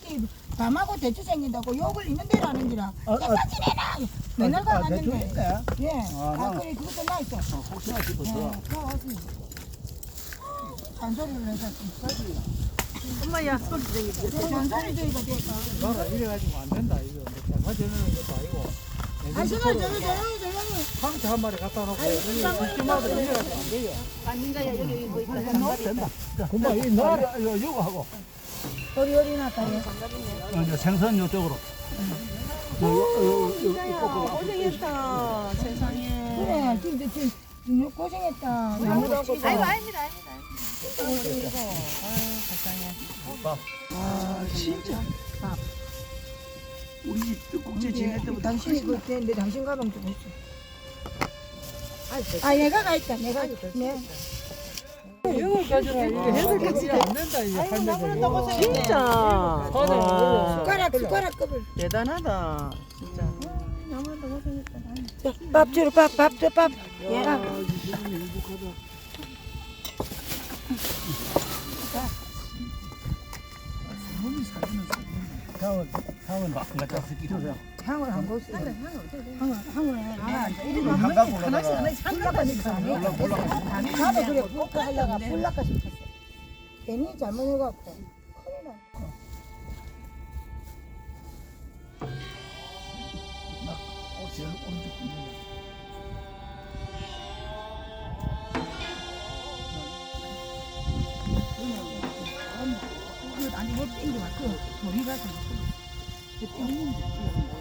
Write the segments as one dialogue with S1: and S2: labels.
S1: 아들이 밤하고 대추 생긴다고 욕을 있는 대로 하는 기라. 내가 지내라. 맨날 가갔는데. 예. 그래 그것도 나 있어.
S2: 혹시나 싶어서.
S1: 잔소리를 해서
S3: 엄마야 소리 들리게.
S1: 잔소리 저희가 될까?
S4: 봐라 이래가지고 안 된다 이거. 뭐 가져내는 것도 아니고.
S1: 한시간 저는
S4: 상체 한 마리 갖다 놓고 집집마다 이래가지고 안 돼요.
S3: 아닌가요? 여기 뭐 있다.
S2: 된다.
S4: 금방 이 나라 이거 하고.
S1: 어리 나타요.
S2: 이제 생선 이쪽으로.
S3: 고생했다. 세상에.
S1: 그래 지금 고생했다.
S3: 아이고
S1: 아이고
S3: 아닙니다.
S2: 아 진짜. 우리 집 축국제 지낼 때부터
S1: 당신이 그때 내 당신 가방 좀 했어. 아 얘가 가 있다. 내가 네.
S4: 이걸 가져라 이거 해석이 안 된다 이거 한대서.
S3: 진짜.
S1: 숟가락 컵을.
S3: 대단하다. 진짜.
S1: 밥 주러 밥. 예.
S2: 향은 막 갖다 쓰기로.
S1: 향을 안 보세요. 향을 이리
S2: 한강
S1: 하나씩 불락하니까 안 해. 나도 그래 불락 하려가 불락하 싶었어. 괜히 잘못해갖고 큰일 났어.
S2: 제일 오른쪽 분이네.
S1: 아니 뭐 땡겨와 그 머리가 그 땡기는데.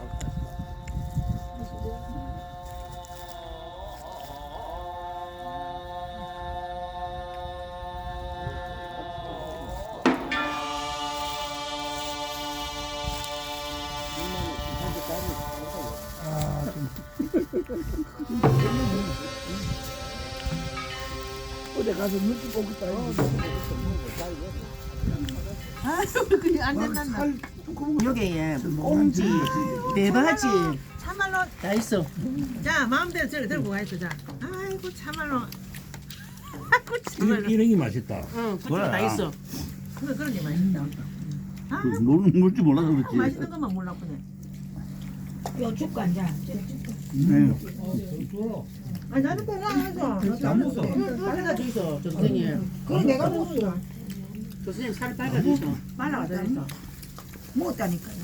S2: 어디 가서 눈치 보고 있다.
S3: 안 된단다. 여기에 꽁지, 대바지 참말로 다 있어. 자 마음대로 저리 들고 가 있어. 자. 아이고 참말로. 아이고 참말로.
S2: 이런 게 맛있다.
S3: 응, 그쪽 다 있어. 그런 게 맛있다. 아,
S2: 물줄 몰라서 그렇지.
S3: 맛있는 것만 몰랐구네.
S1: 요 죽고 앉아.
S2: 네.
S3: 아니 나는 그거 해서.
S4: 안 먹어.
S3: 빨아가지고 있어. 저 선생님.
S1: 그래 내가 먹었어.
S3: 저 선생님 살 빨아가지고 있어. 빨아가지고 있어.
S1: 먹었다니까.